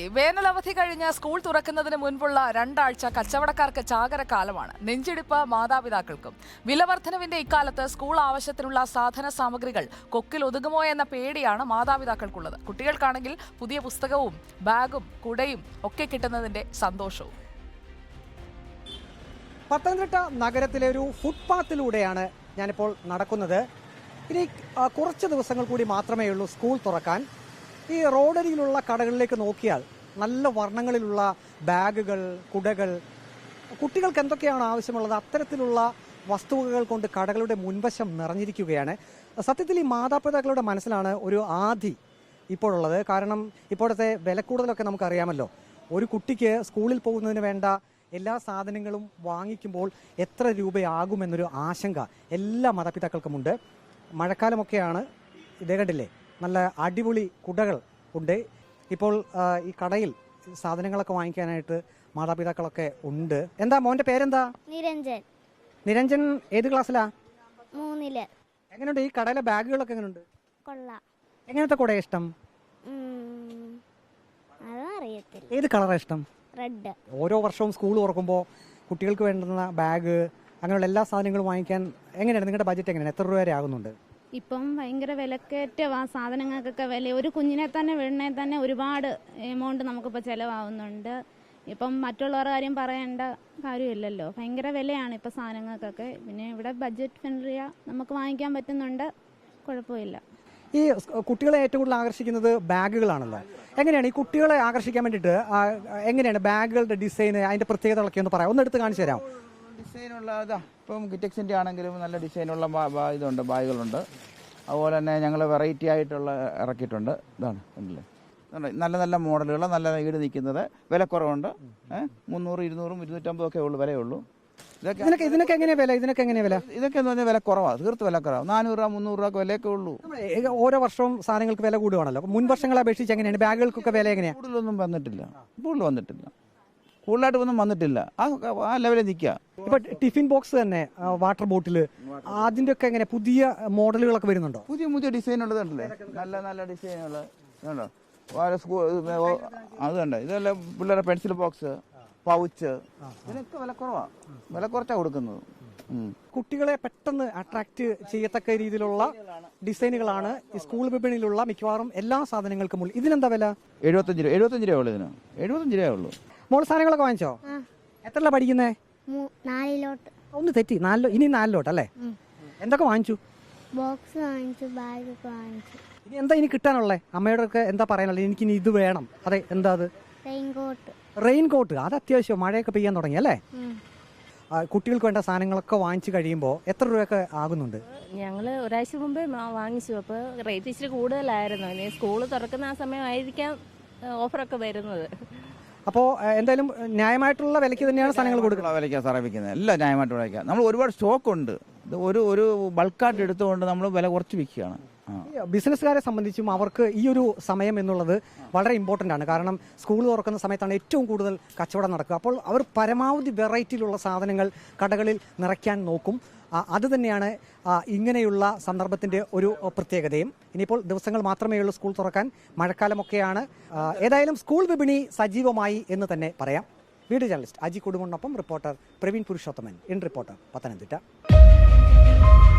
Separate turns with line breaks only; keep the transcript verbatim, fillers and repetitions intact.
വേനലവധി കഴിഞ്ഞ് സ്കൂൾ തുറക്കുന്നതിന് മുൻപുള്ള രണ്ടാഴ്ച കച്ചവടക്കാർക്ക് ചാകരക്കാലമാണ്. നെഞ്ചിടിപ്പ് മാതാപിതാക്കൾക്കും. വിലവർദ്ധനവിന്റെ ഇക്കാലത്ത് സ്കൂൾ ആവശ്യത്തിനുള്ള സാധന സാമഗ്രികൾ കൊക്കിൽ ഒതുങ്ങുമോ എന്ന പേടിയാണ് മാതാപിതാക്കൾക്കുള്ളത്. കുട്ടികൾക്കാണെങ്കിൽ പുതിയ പുസ്തകവും ബാഗും കുടയും ഒക്കെ കിട്ടുന്നതിന്റെ സന്തോഷവും.
പത്തനംതിട്ട നഗരത്തിലെ ഒരു ഫുട്പാത്തിലൂടെയാണ് ഞാനിപ്പോൾ നടക്കുന്നത്. ഇനി കുറച്ച് ദിവസങ്ങൾ കൂടി മാത്രമേ ഉള്ളൂ സ്കൂൾ തുറക്കാൻ. ഈ റോഡരിയിലുള്ള കടകളിലേക്ക് നോക്കിയാൽ നല്ല വർണ്ണങ്ങളിലുള്ള ബാഗുകൾ, കുടകൾ, കുട്ടികൾക്ക് എന്തൊക്കെയാണ് ആവശ്യമുള്ളത് അത്തരത്തിലുള്ള വസ്തുവകകൾ കൊണ്ട് കടകളുടെ മുൻവശം നിറഞ്ഞിരിക്കുകയാണ്. സത്യത്തിൽ ഈ മാതാപിതാക്കളുടെ മനസ്സിലാണ് ഒരു ആധി ഇപ്പോഴുള്ളത്. കാരണം ഇപ്പോഴത്തെ വിലക്കൂടുതലൊക്കെ നമുക്കറിയാമല്ലോ. ഒരു കുട്ടിക്ക് സ്കൂളിൽ പോകുന്നതിന് വേണ്ട എല്ലാ സാധനങ്ങളും വാങ്ങിക്കുമ്പോൾ എത്ര രൂപയാകുമെന്നൊരു ആശങ്ക എല്ലാ മാതാപിതാക്കൾക്കുമുണ്ട്. മഴക്കാലമൊക്കെയാണ്. ഇതേ കണ്ടില്ലേ, നല്ല അടിപൊളി കുടകൾ ഉണ്ട്. ഇപ്പോൾ ഈ കടയിൽ സാധനങ്ങളൊക്കെ വാങ്ങിക്കാനായിട്ട് മാതാപിതാക്കളൊക്കെ ഉണ്ട്. എന്താ മോന്റെ പേരെന്താ?
നിരഞ്ജൻ.
നിരഞ്ജൻ ഏത് ക്ലാസ്സിലാ?
മൂന്നില്.
എങ്ങനെയുണ്ട് ഈ കടയിലെ ബാഗുകളൊക്കെ? എങ്ങനെയുണ്ട്?
കൊള്ളാം.
എങ്ങനത്തെ കുടയാ ഇഷ്ടം?
അതറിയത്തില്ല.
ഏത് കളറാ ഇഷ്ടം?
റെഡ്.
ഓരോ വർഷവും സ്കൂൾ തുറക്കുമ്പോൾ കുട്ടികൾക്ക് വേണ്ടുന്ന ബാഗ് അങ്ങനെയുള്ള എല്ലാ സാധനങ്ങളും വാങ്ങിക്കാൻ എങ്ങനെയാണ് നിങ്ങളുടെ ബജറ്റ്? എങ്ങനെയാണ്? എത്ര രൂപ വരെ ആകുന്നുണ്ട്?
ഇപ്പം ഭയങ്കര വിലക്കയറ്റവാ സാധനങ്ങൾക്കൊക്കെ വില. ഒരു കുഞ്ഞിനെ തന്നെ വീടിനെ തന്നെ ഒരുപാട് എമൗണ്ട് നമുക്കിപ്പോൾ ചിലവാകുന്നുണ്ട്. ഇപ്പം മറ്റുള്ളവരുടെ കാര്യം പറയേണ്ട കാര്യമില്ലല്ലോ. ഭയങ്കര വിലയാണ് ഇപ്പോൾ സാധനങ്ങൾക്കൊക്കെ. പിന്നെ ഇവിടെ ബഡ്ജറ്റ് ഫ്രണ്ട്ലിയാ, നമുക്ക് വാങ്ങിക്കാൻ പറ്റുന്നുണ്ട്, കുഴപ്പമില്ല.
ഈ കുട്ടികളെ ഏറ്റവും കൂടുതൽ ആകർഷിക്കുന്നത് ബാഗുകളാണല്ലോ. എങ്ങനെയാണ് ഈ കുട്ടികളെ ആകർഷിക്കാൻ വേണ്ടിയിട്ട് എങ്ങനെയാണ് ബാഗുകളുടെ ഡിസൈൻ, അതിന്റെ പ്രത്യേകതകളൊക്കെ ഒന്ന് പറയാം, ഒന്ന് എടുത്ത് കാണിച്ചു തരാം.
ഡിസൈനുള്ള ഇതാ ഇപ്പം ഗിറ്റക്സിൻ്റെ ആണെങ്കിലും നല്ല ഡിസൈനുള്ള ഇതുണ്ട്, ബാഗുകളുണ്ട്. അതുപോലെ തന്നെ ഞങ്ങൾ വെറൈറ്റി ആയിട്ടുള്ള ഇറക്കിയിട്ടുണ്ട്. ഇതാണ് ഉണ്ടല്ലേ, നല്ല നല്ല മോഡലുകൾ, നല്ല ഈട് നിൽക്കുന്നത്, വിലക്കുറവുണ്ട്. മുന്നൂറ് ഇരുന്നൂറും ഇരുന്നൂറ്റമ്പതും ഒക്കെ ഉള്ളു വിലയുള്ളൂ.
ഇതൊക്കെ ഇതിനൊക്കെ എങ്ങനെയാ വില? ഇതിനൊക്കെ എങ്ങനെയാ വില?
ഇതൊക്കെ എന്ന് പറഞ്ഞാൽ വില കുറവാണ്, തീർത്ത് വില കുറവാണ്. നാനൂറ് രൂപ മുന്നൂറ് രൂപ വിലയൊക്കെ ഉള്ളൂ.
ഓരോ വർഷവും സാധനങ്ങൾക്ക് വില കൂടുവാണല്ലോ. മുൻ വർഷങ്ങളെ അപേക്ഷിച്ച് എങ്ങനെയാണ് ബാഗുകൾക്കൊക്കെ വില? എങ്ങനെയാണ്?
കൂടുതലൊന്നും വന്നിട്ടില്ല, കൂടുതൽ വന്നിട്ടില്ല, കൂടുതലായിട്ട് ഒന്നും വന്നിട്ടില്ല. ആ ആ ലെവലിൽ നിൽക്കുക.
ഇപ്പൊ ടിഫിൻ ബോക്സ് തന്നെ, വാട്ടർ ബോട്ടിൽ, അതിന്റെ ഒക്കെ എങ്ങനെ പുതിയ മോഡലുകളൊക്കെ വരുന്നുണ്ടോ?
പുതിയ പുതിയ ഡിസൈൻ ഉള്ളതുണ്ടല്ലേ, നല്ല നല്ല ഡിസൈനുള്ള ഇതുണ്ടോ. സ്കൂൾ അത് കണ്ടോ, ഇതല്ല പിള്ളേരുടെ പെൻസിൽ ബോക്സ്, പൗച്ച്, ഇതിനൊക്കെ വില കുറവാണ്, വില കുറച്ചാണ് കൊടുക്കുന്നത്.
കുട്ടികളെ പെട്ടെന്ന് അട്രാക്ട് ചെയ്യത്തക്ക രീതിയിലുള്ള ഡിസൈനുകളാണ് ഈ സ്കൂൾ വിപണിയിലുള്ള മിക്കവാറും എല്ലാ സാധനങ്ങൾക്കും ഉള്ളു. ഇതിനെന്താ വില?
എഴുപത്തഞ്ച് രൂപ എഴുപത്തഞ്ച് രൂപ ഉള്ളു ഇതിന്, എഴുപത്തഞ്ച് രൂപ ഉള്ളൂ.
മോൾ സാധനങ്ങളൊക്കെ വാങ്ങിച്ചോ? എത്രല്ല പഠിക്കുന്നേ?
നാലിലോട്ട്.
ഒന്ന് തെറ്റി, നാലിലോ, ഇനി നാലിലോട്ട് അല്ലേ? എന്തൊക്കെ വാങ്ങിച്ചു?
ബോക്സ് വാങ്ങിച്ചു, ബാഗ് ഒക്കെ വാങ്ങിച്ചു.
ഇനി എന്താ ഇനി കിട്ടാനുള്ളേ? അമ്മയോടൊക്കെ എന്താ പറയാനുള്ളത്? എനിക്ക് ഇനി ഇത് വേണം. അതെ, എന്താ അത്?
റെയിൻകോട്ട്.
റെയിൻകോട്ട്, അത് അത്യാവശ്യം. മഴയൊക്കെ പെയ്യാൻ തുടങ്ങി അല്ലേ? കുട്ടികൾക്ക് വേണ്ട സാധനങ്ങളൊക്കെ വാങ്ങിച്ചു കഴിയുമ്പോൾ എത്ര രൂപയൊക്കെ ആകുന്നുണ്ട്?
ഞങ്ങൾ ഒരാഴ്ച മുമ്പേ വാങ്ങിച്ചു. അപ്പോൾ റേറ്റ് ഇച്ചിരി കൂടുതലായിരുന്നു. ഇനി സ്കൂൾ തുറക്കുന്ന ആ സമയമായിരിക്കാം ഓഫറൊക്കെ വരുന്നത്.
അപ്പോൾ എന്തായാലും ന്യായമായിട്ടുള്ള വിലയ്ക്ക് തന്നെയാണ് സാധനങ്ങൾ കൊടുക്കുന്നത്.
വിലയ്ക്കാണ് സാറേ വിൽക്കുന്നത്, എല്ലാം ന്യായമായിട്ട് വിലയ്ക്കാം. നമ്മൾ ഒരുപാട് സ്റ്റോക്ക് ഉണ്ട്. ഇത് ഒരു ഒരു ബൾക്കായിട്ട് എടുത്തുകൊണ്ട് നമ്മൾ വില കുറച്ച് വിൽക്കുകയാണ്.
ബിസിനസ്സുകാരെ സംബന്ധിച്ചും അവർക്ക് ഈ ഒരു സമയം എന്നുള്ളത് വളരെ ഇമ്പോർട്ടൻ്റ് ആണ്. കാരണം സ്കൂൾ തുറക്കുന്ന സമയത്താണ് ഏറ്റവും കൂടുതൽ കച്ചവടം നടക്കുക. അപ്പോൾ അവർ പരമാവധി വെറൈറ്റിയിലുള്ള സാധനങ്ങൾ കടകളിൽ നിറയ്ക്കാൻ നോക്കും. അത് തന്നെയാണ് ഇങ്ങനെയുള്ള സന്ദർഭത്തിൻ്റെ ഒരു പ്രത്യേകതയും. ഇനിയിപ്പോൾ ദിവസങ്ങൾ മാത്രമേ ഉള്ളൂ സ്കൂൾ തുറക്കാൻ, മഴക്കാലമൊക്കെയാണ്. ഏതായാലും സ്കൂൾ വിപണി സജീവമായി എന്ന് തന്നെ പറയാം. വീഡിയോ ജേർണലിസ്റ്റ് അജി കുടുംബനൊപ്പം reporter Praveen Purushothaman, in reporter, Pathanamthitta.